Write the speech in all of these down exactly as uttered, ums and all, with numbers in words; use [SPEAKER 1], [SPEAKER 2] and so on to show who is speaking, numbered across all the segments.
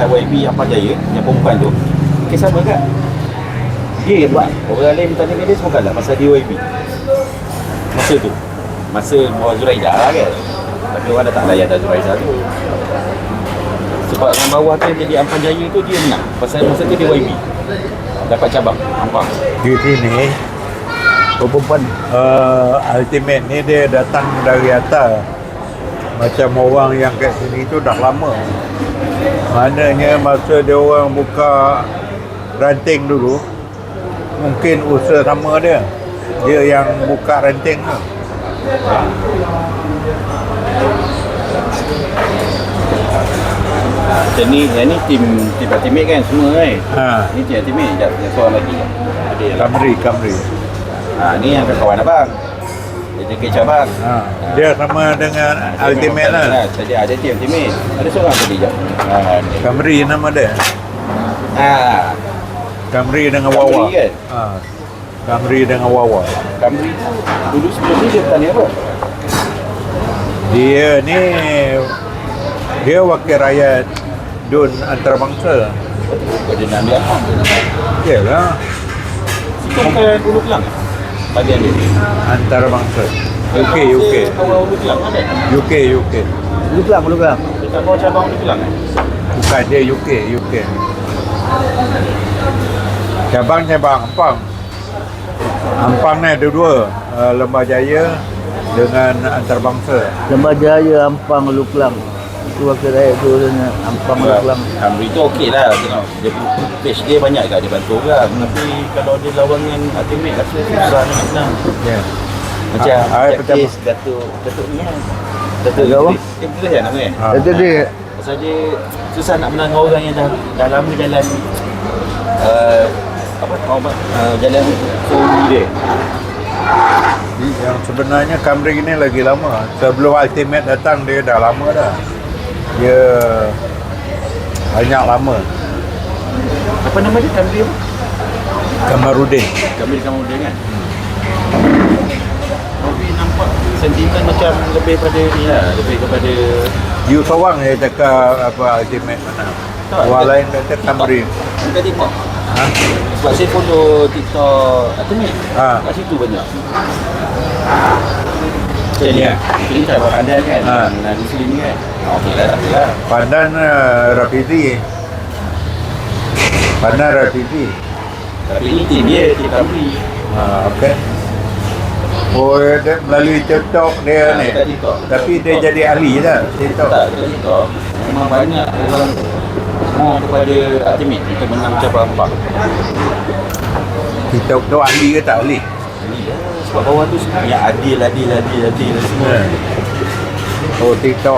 [SPEAKER 1] dekat Y B Ampang Jaya yang perempuan tu, kes sama kan? Dia buat, orang lain minta dengan dia semua kalah pasal dia Y B masa tu, masa bawa Zuraidah kan, tapi orang dah tak layan dah Zuraidah tu. Sebab yang bawah tu yang jadi Ampang Jaya tu dia menang pasal masa tu dia Y B dapat cabang Ampang.
[SPEAKER 2] Di sini perempuan uh, ultimate ni dia datang dari atas. Macam orang yang kat sini tu dah lama. Maknanya masa dia orang buka ranting dulu, mungkin usaha sama dia. Dia yang buka ranting tu.
[SPEAKER 1] Macam ni, yang ni tim tim ultimate kan semua kan?
[SPEAKER 2] Ha.
[SPEAKER 1] Ni tim ultimate, sekejap, yang seorang lagi ada yang
[SPEAKER 2] Camry, Camry.
[SPEAKER 1] Ha, ni yang kawan abang. Dia jaga cabang.
[SPEAKER 2] Ha. Dia sama dengan
[SPEAKER 1] Ha,
[SPEAKER 2] ultimate lah.
[SPEAKER 1] Jadi ada tim ultimate. Ada seorang tadi je. Ha, ni.
[SPEAKER 2] Camry nama dia.
[SPEAKER 1] Ha,
[SPEAKER 2] Camry dengan
[SPEAKER 1] Camry
[SPEAKER 2] Wawa.
[SPEAKER 1] kan?
[SPEAKER 2] Ha. Camry dengan Wawa.
[SPEAKER 1] Camry tu dulu sebelum ni dia bertanya apa?
[SPEAKER 2] Dia ni dia wakil rakyat Dun antarabangsa.
[SPEAKER 1] Kau dia nak ambil apa?
[SPEAKER 2] Yalah,
[SPEAKER 1] Situ bukan Ulu Kelang eh? Bagian dia.
[SPEAKER 2] antarabangsa. U K, U K.
[SPEAKER 1] Kawan Ulu Kelang kan?
[SPEAKER 2] U K, U K.
[SPEAKER 3] Lu kelang, lu kelang.
[SPEAKER 1] Dekat bawah cabang Ulu Kelang eh?
[SPEAKER 2] Bukan dia U K, U K. Cabang-cabang Ampang. Ampang ni ada dua, uh, Lembah Jaya dengan antarabangsa.
[SPEAKER 3] Lembah Jaya, Ampang, Lu Kelang. Itu wakil rakyat tu dengan Ampang, Lu Kelang.
[SPEAKER 1] Camry tu okey lah tengok. Dia page dia banyak kat dia bantu orang. Tapi kalau dia lawan dengan ultimate rasa susah nak menang.
[SPEAKER 2] Ya.
[SPEAKER 1] Macam
[SPEAKER 2] Ah, ah,
[SPEAKER 1] macam
[SPEAKER 2] betul.
[SPEAKER 1] kes Datuk Datuk ni kan. Datuk
[SPEAKER 3] Datuk apa?
[SPEAKER 1] Idris. Eh betul kan nama kan?
[SPEAKER 2] Ha.
[SPEAKER 3] Itu dia.
[SPEAKER 1] Pasal dia susah nak menang dengan orang yang dah dah lama jalan uh, apa orang uh, jalan suri dia.
[SPEAKER 2] Yang sebenarnya Camry ni lagi lama. Sebelum Ultimate datang dia dah lama dah. Dia banyak lama.
[SPEAKER 1] Apa nama dia? Camry apa?
[SPEAKER 2] Kamarudin.
[SPEAKER 1] Camry Camry kan? Tapi nampak sentimen macam lebih pada ni lah, lebih kepada
[SPEAKER 2] You seorang dia cakap apa Ultimate mana.
[SPEAKER 1] Tak,
[SPEAKER 2] Orang
[SPEAKER 1] dia-
[SPEAKER 2] lain kata Camry.
[SPEAKER 1] dekat TikTok.
[SPEAKER 2] Ha?
[SPEAKER 1] Sebab saya follow TikTok Ultimate.
[SPEAKER 2] Ha.
[SPEAKER 1] Kat situ banyak. Macam ni
[SPEAKER 2] Ya.
[SPEAKER 1] lah. Ini tak buat pandai kan?
[SPEAKER 2] Ha.
[SPEAKER 1] Nah, di sini kan? Oh, okey lah, okey lah.
[SPEAKER 2] Pandan uh, Rafizi. Pandan Rafizi.
[SPEAKER 1] Tapi ini tim dia, tim Camry.
[SPEAKER 2] Ha, okey. Oh, dia melalui TikTok dia
[SPEAKER 1] Ha,
[SPEAKER 2] ni.
[SPEAKER 1] dekat TikTok.
[SPEAKER 2] Tapi dia jadi ahli dah TikTok.
[SPEAKER 1] Tak, dekat TikTok. Memang banyak orang mau kepada Ultimate untuk menang cabang empat.
[SPEAKER 2] TikTok tu ahli ke tak ahli?
[SPEAKER 1] Sebab bawah tu semua yang adil, adil, adil, adil semua.
[SPEAKER 2] Ha. Oh, TikTok.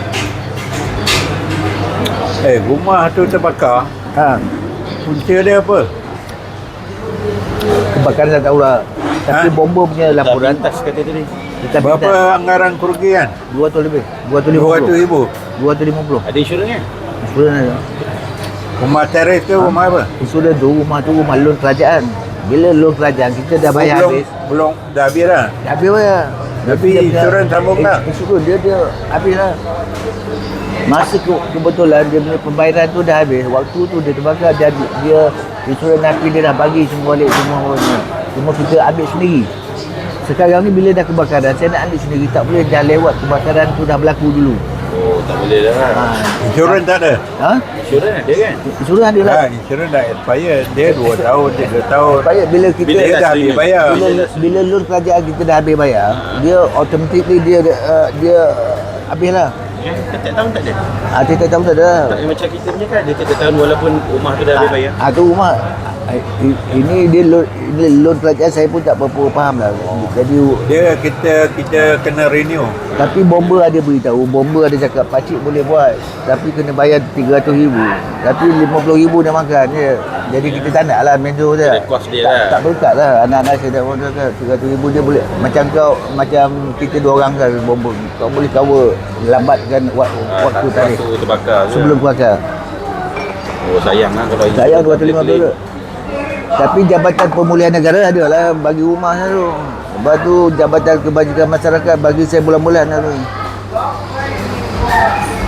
[SPEAKER 2] Eh, rumah tu terbakar.
[SPEAKER 3] Ha.
[SPEAKER 2] Punca dia apa?
[SPEAKER 3] Kebakaran saya tahu lah. Tapi
[SPEAKER 2] Ha?
[SPEAKER 3] bomba punya
[SPEAKER 1] Dah
[SPEAKER 3] laporan.
[SPEAKER 1] pintas kata tadi.
[SPEAKER 3] Kita
[SPEAKER 2] Berapa anggaran kerugian?
[SPEAKER 3] dua ratus lebih. dua ratus lima
[SPEAKER 2] dua ratus
[SPEAKER 3] puluh.
[SPEAKER 2] ribu.
[SPEAKER 3] dua ratus lima puluh.
[SPEAKER 1] Ada insurans kan?
[SPEAKER 3] Insurans ada.
[SPEAKER 2] Rumah teres ke rumah apa?
[SPEAKER 3] Insurans tu rumah tu rumah loan kerajaan. Bila loan kerajaan kita dah bayar
[SPEAKER 2] belum,
[SPEAKER 3] habis.
[SPEAKER 2] belum dah habis dah.
[SPEAKER 3] Dah habis bayar.
[SPEAKER 2] Tapi
[SPEAKER 3] dia punya-
[SPEAKER 2] insurans sambung tak?
[SPEAKER 3] Eh, Insurans dia dia habis lah. Masa ke, kebetulan dia punya pembayaran tu dah habis. Waktu tu dia terbakar dia dia insurans napi dia dah bagi semua balik semua orang. Cuma kita ambil sendiri. Sekarang ni bila dah kebakaran saya nak ambil sendiri, tak boleh dah lewat kebakaran tu dah berlaku dulu.
[SPEAKER 1] Oh, tak boleh dah kan?
[SPEAKER 3] Ha.
[SPEAKER 2] Insurans tak ada?
[SPEAKER 3] Ha?
[SPEAKER 1] Insurans ada kan?
[SPEAKER 3] Insurans ada lah.
[SPEAKER 2] Ha, insurans dah expired. Dia dua tahun, tiga tahun.
[SPEAKER 3] Baik bila kita
[SPEAKER 1] Bila
[SPEAKER 2] Dia dah habis
[SPEAKER 1] streaming.
[SPEAKER 2] bayar.
[SPEAKER 3] bila bila loan kerajaan kita dah habis bayar, dia automatically dia uh, dia uh, habis lah.
[SPEAKER 1] Eh, setiap tahun tak ada?
[SPEAKER 3] Ah, tiap-tiap tahun tak ada.
[SPEAKER 1] Tak ada macam kita punya kan? Dia setiap tahun walaupun rumah tu dah habis bayar.
[SPEAKER 3] Ah, tu rumah. Ah, i- Ini dia loan, ini loan kerajaan saya pun tak berapa faham lah. Jadi
[SPEAKER 2] Dia kita kita kena renew.
[SPEAKER 3] tapi bomba ada beritahu, bomba ada cakap pakcik boleh buat tapi kena bayar tiga ratus ribu. Tapi lima puluh ribu dah makan je. Jadi kita tak nak lah mentor je.
[SPEAKER 1] Ada kos dia
[SPEAKER 3] tak,
[SPEAKER 1] lah.
[SPEAKER 3] Tak berkat lah. Anak-anak saya dah order kan tiga ratus ribu dia boleh. Macam kau, macam kita dua orang kan bomba. Kau boleh cover lambatkan wak-
[SPEAKER 1] Ah,
[SPEAKER 3] waktu
[SPEAKER 1] tak-
[SPEAKER 3] tarikh
[SPEAKER 1] waktu terbakar je.
[SPEAKER 3] sebelum kebakar.
[SPEAKER 1] Oh, sayang lah kalau
[SPEAKER 3] Saya
[SPEAKER 1] insurans
[SPEAKER 3] dua ratus lima
[SPEAKER 1] boleh
[SPEAKER 3] puluh. Tapi Jabatan Pemulihan Negara ada lah bagi rumah saya tu. Lepas tu Jabatan Kebajikan Masyarakat bagi saya bulan-bulan lah tu.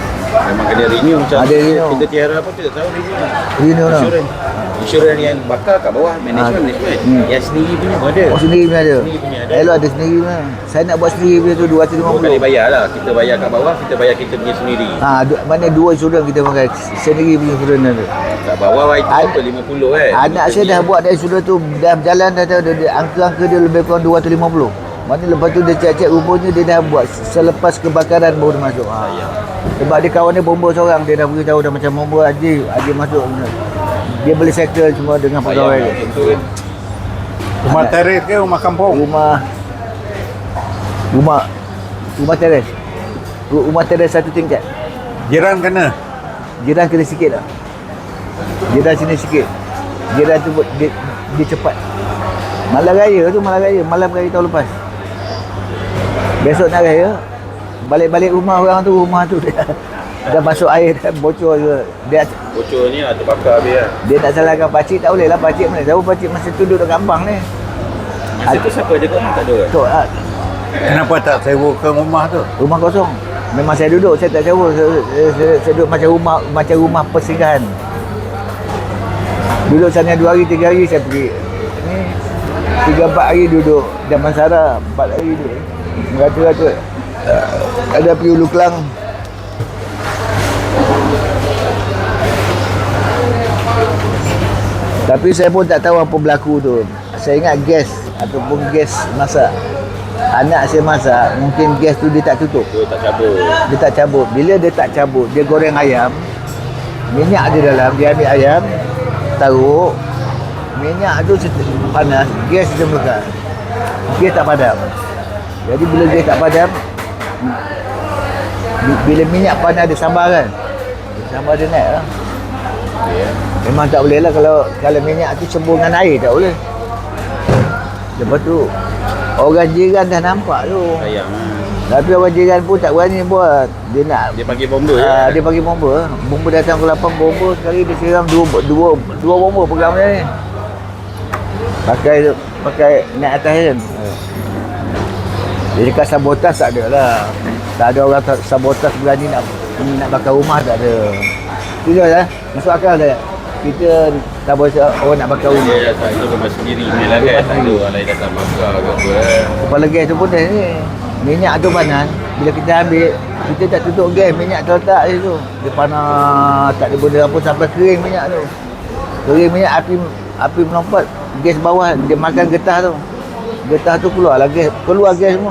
[SPEAKER 1] Memang kena renew macam
[SPEAKER 3] Ada renew.
[SPEAKER 1] kita tiara apa kita tahu renew.
[SPEAKER 3] Renew lah.
[SPEAKER 1] Insurans. Insurans yang bakar kat bawah, management,
[SPEAKER 3] Ah.
[SPEAKER 1] management.
[SPEAKER 3] Hmm.
[SPEAKER 1] Yang sendiri punya pun ada.
[SPEAKER 3] Oh sendiri punya ada?
[SPEAKER 1] Sendiri punya ada.
[SPEAKER 3] Elok ada sendiri punya. Saya nak buat sendiri punya tu dua ratus lima
[SPEAKER 1] Dua
[SPEAKER 3] puluh.
[SPEAKER 1] kali bayar lah. Kita bayar kat bawah, kita bayar kita punya sendiri.
[SPEAKER 3] Ha, du- mana dua insurans kita pakai. Sendiri punya insurans ada.
[SPEAKER 1] Kat bawah itu
[SPEAKER 3] Ad-
[SPEAKER 1] apa lima puluh kan.
[SPEAKER 3] Anak saya dah buat dari insurans tu, dah berjalan dah tahu dia, dia, angka-angka dia lebih kurang dua ratus lima puluh. Mana lepas tu dia cek-cek rupanya dia dah buat selepas kebakaran baru dia masuk. Ha. Sebab dia kawan dia bomba seorang, dia dah beritahu dah macam bomba Haji, Haji masuk. Dia boleh settle semua dengan pegawai dia.
[SPEAKER 1] Itu kan.
[SPEAKER 2] Rumah teres ke rumah kampung?
[SPEAKER 3] Rumah rumah rumah teres. Ru- Rumah teres satu tingkat.
[SPEAKER 2] Jiran kena?
[SPEAKER 3] Jiran kena sikit lah. Jiran sini sikit. Jiran tu buat- dia, dia cepat. Malam raya tu malam raya, malam raya tahun lepas. Besok nak raya, balik-balik rumah orang tu, rumah tu dah, dah masuk air, dah bocor ke. Dia
[SPEAKER 1] Bocor ni lah, terbakar habis lah.
[SPEAKER 3] dia nak salahkan pakcik, tak boleh lah pakcik mana tahu pakcik masih duduk dekat kampung ni.
[SPEAKER 1] Masa tu siapa jaga rumah tak ada kan?
[SPEAKER 3] So, ah,
[SPEAKER 2] Kenapa tak sewakan rumah tu?
[SPEAKER 3] rumah kosong. Memang saya duduk, saya tak sewa. Saya, saya, saya, saya duduk macam rumah macam rumah persinggahan. Duduk sana dua hari, tiga hari saya pergi. Ni tiga empat hari duduk Damansara, empat hari duduk. Merata-rata ada pergi Ulu Kelang. Tapi saya pun tak tahu apa berlaku tu. Saya ingat gas ataupun gas masak. Anak saya masak, mungkin gas tu dia tak tutup.
[SPEAKER 1] Tu tak cabut.
[SPEAKER 3] Dia tak cabut. Bila dia tak cabut, dia goreng ayam. Minyak ada dalam, dia ambil ayam, taruh. Minyak tu set- panas, gas dia melekat. Gas tak padam. Jadi bila gas tak padam, bi- bila minyak panas dia sambar kan. Sambar dia naik lah.
[SPEAKER 1] Ya.
[SPEAKER 3] Memang tak boleh lah kalau kalau minyak tu cembur dengan air tak boleh. Lepas tu orang jiran dah nampak tu.
[SPEAKER 1] Sayang lah.
[SPEAKER 3] Tapi orang jiran pun tak berani buat. Dia nak
[SPEAKER 1] Dia panggil bomba
[SPEAKER 3] uh,
[SPEAKER 1] je.
[SPEAKER 3] dia bagi bomba. Bomba datang ke lapan bomba sekali dia siram dua dua dua bomba pegang dia ni. Pakai pakai naik atas kan. Dia dekat sabotas tak ada lah. Tak ada orang ta- sabotas berani nak nak bakar rumah tak ada. Itu je lah. Masuk akal tak? Kita tak boleh orang nak bakar rumah.
[SPEAKER 1] Dia datang tu rumah sendiri ni lah kan. Tak ada orang lain datang bakar ke apa kan.
[SPEAKER 3] Kepala gas tu pun dah ni. Minyak tu panas. Bila kita ambil, kita tak tutup gas, minyak terletak je tu. Dia panas, tak ada benda apa sampai kering minyak tu. Kering minyak, api api melompat, gas bawah, dia makan getah tu. Getah tu keluar lah gas, keluar gas semua.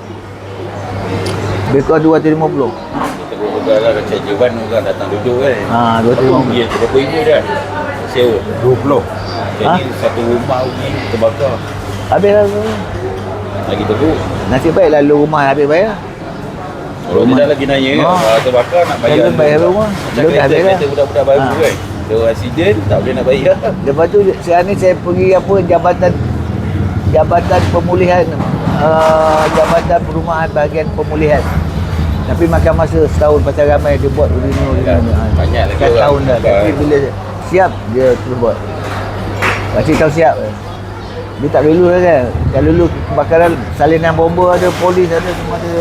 [SPEAKER 3] Lebih kurang dua ratus lima puluh.
[SPEAKER 1] Kita berbual lah macam Jewan orang datang duduk kan.
[SPEAKER 3] Ha, dua ratus lima puluh.
[SPEAKER 1] Dia berapa ribu dah sewa.
[SPEAKER 2] dua puluh.
[SPEAKER 1] Jadi
[SPEAKER 3] Ha?
[SPEAKER 1] satu rumah ni terbakar.
[SPEAKER 3] Habis lah tu.
[SPEAKER 1] Lagi teruk.
[SPEAKER 3] Nasib baik lalu rumah habis bayar.
[SPEAKER 1] Kalau dia dah lagi nanya kan,
[SPEAKER 3] Ha.
[SPEAKER 1] kalau terbakar nak bayar.
[SPEAKER 3] Jangan bayar
[SPEAKER 1] dulu.
[SPEAKER 3] rumah.
[SPEAKER 1] Macam
[SPEAKER 3] Belum dah
[SPEAKER 1] kereta,
[SPEAKER 3] habis dah.
[SPEAKER 1] kereta budak-budak baru
[SPEAKER 3] Ha.
[SPEAKER 1] kan. Dia accident tak boleh nak bayar.
[SPEAKER 3] Lepas tu sekarang ni saya pergi apa jabatan jabatan pemulihan uh, jabatan perumahan bahagian pemulihan. Tapi makan masa setahun pasal ramai dia buat renew
[SPEAKER 1] Ya,
[SPEAKER 3] renew. Ha.
[SPEAKER 1] banyak lagi
[SPEAKER 3] Kat
[SPEAKER 1] orang
[SPEAKER 3] tahun dah.
[SPEAKER 1] buat.
[SPEAKER 3] Tapi bila siap dia terus buat. Pakcik tahu siap. Dia tak dulu lah kan. Kalau dulu kebakaran salinan bomba ada, polis ada, semua ada.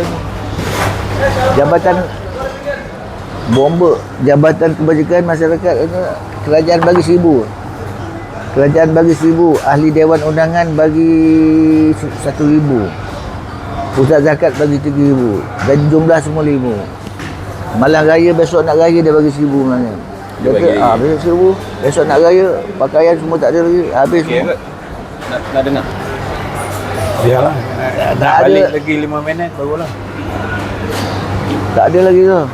[SPEAKER 3] Jabatan bomba, Jabatan Kebajikan Masyarakat itu kerajaan bagi seribu. Kerajaan bagi seribu, ahli Dewan Undangan bagi se- satu ribu. Pusat zakat bagi tiga ribu. Dan jumlah semua lima. Malam raya besok nak raya dia bagi seribu sebenarnya.
[SPEAKER 1] Dia
[SPEAKER 3] Dia
[SPEAKER 1] bagi
[SPEAKER 3] kata,
[SPEAKER 1] lagi.
[SPEAKER 3] ah, besok seribu, besok nak raya, pakaian semua tak ada lagi, habis
[SPEAKER 1] Okey
[SPEAKER 3] semua.
[SPEAKER 1] kot. Nak, nak dengar?
[SPEAKER 2] Biarlah.
[SPEAKER 3] Tak
[SPEAKER 2] Nak
[SPEAKER 3] ada.
[SPEAKER 2] balik lagi lima minit barulah.
[SPEAKER 3] Tak ada lagi tu.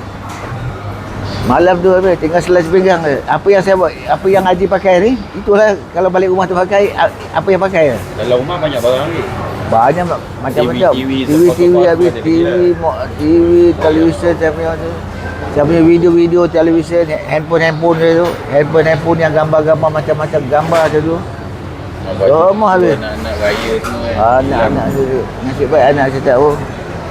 [SPEAKER 3] Malam tu habis, tinggal selai sepinggang je. Apa yang saya buat, apa yang Haji pakai ni, itulah kalau balik rumah tu pakai, a- apa yang pakai.
[SPEAKER 1] Dalam rumah banyak barang lagi.
[SPEAKER 3] Banyak mak- macam-macam.
[SPEAKER 1] T V,
[SPEAKER 3] T V, T V
[SPEAKER 1] sofa-sofa
[SPEAKER 3] habis,
[SPEAKER 1] ada
[SPEAKER 3] T V,
[SPEAKER 1] lagi
[SPEAKER 3] mo- T V, televisyen saya punya tu. Saya punya video-video, televisyen, handphone-handphone dia tu. Handphone-handphone yang gambar-gambar macam-macam gambar tu tu. Semua habis.
[SPEAKER 1] Anak-anak raya semua kan.
[SPEAKER 3] Anak-anak tu. Nasib baik anak saya tak tahu.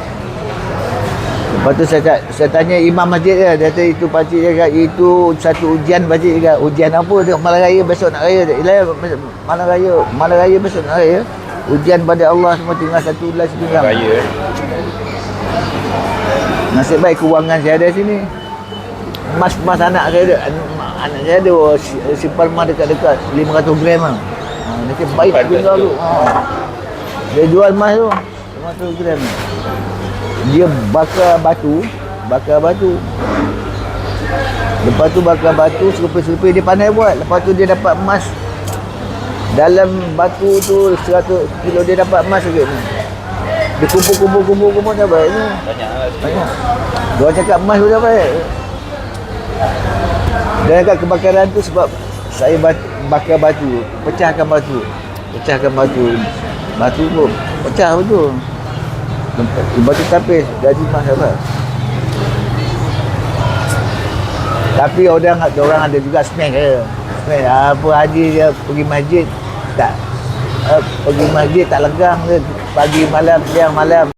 [SPEAKER 3] Lepas tu saya, ta- saya tanya imam masjid dia. Dia kata itu pakcik dia kata itu satu ujian pakcik dia kata. Ujian apa? Dia malam raya besok nak raya. Ilai malam raya. Malam raya besok nak raya. Ujian pada Allah semua tinggal satu belas sepinggang.
[SPEAKER 1] Raya.
[SPEAKER 3] Nasib baik kewangan saya ada sini. Mas-mas anak saya ada, anak saya ada si- simpan emas dekat-dekat lima ratus gram lah. Ha, nanti baik
[SPEAKER 1] Simpan
[SPEAKER 3] tinggal
[SPEAKER 1] kat
[SPEAKER 3] tu. Ha. Dia jual emas tu lima ratus gram. Dia bakar batu, bakar batu. Lepas tu bakar batu, serupih-serupih dia pandai buat. Lepas tu dia dapat emas. Dalam batu tu seratus kilo dia dapat emas sikit ni. Dia kumpul-kumpul-kumpul-kumpul dapat ni.
[SPEAKER 1] Banyak lah.
[SPEAKER 3] Banyak. Dia cakap emas tu dapat. Dan kat kebakaran tu sebab saya bakar batu, pecahkan batu. Pecahkan batu. Batu pun pecah betul. Batu tapis, gaji emas dapat. Tapi orang orang ada juga smash dia. Smash apa haji dia pergi masjid tak uh, pergi masjid tak legang dia pagi malam siang malam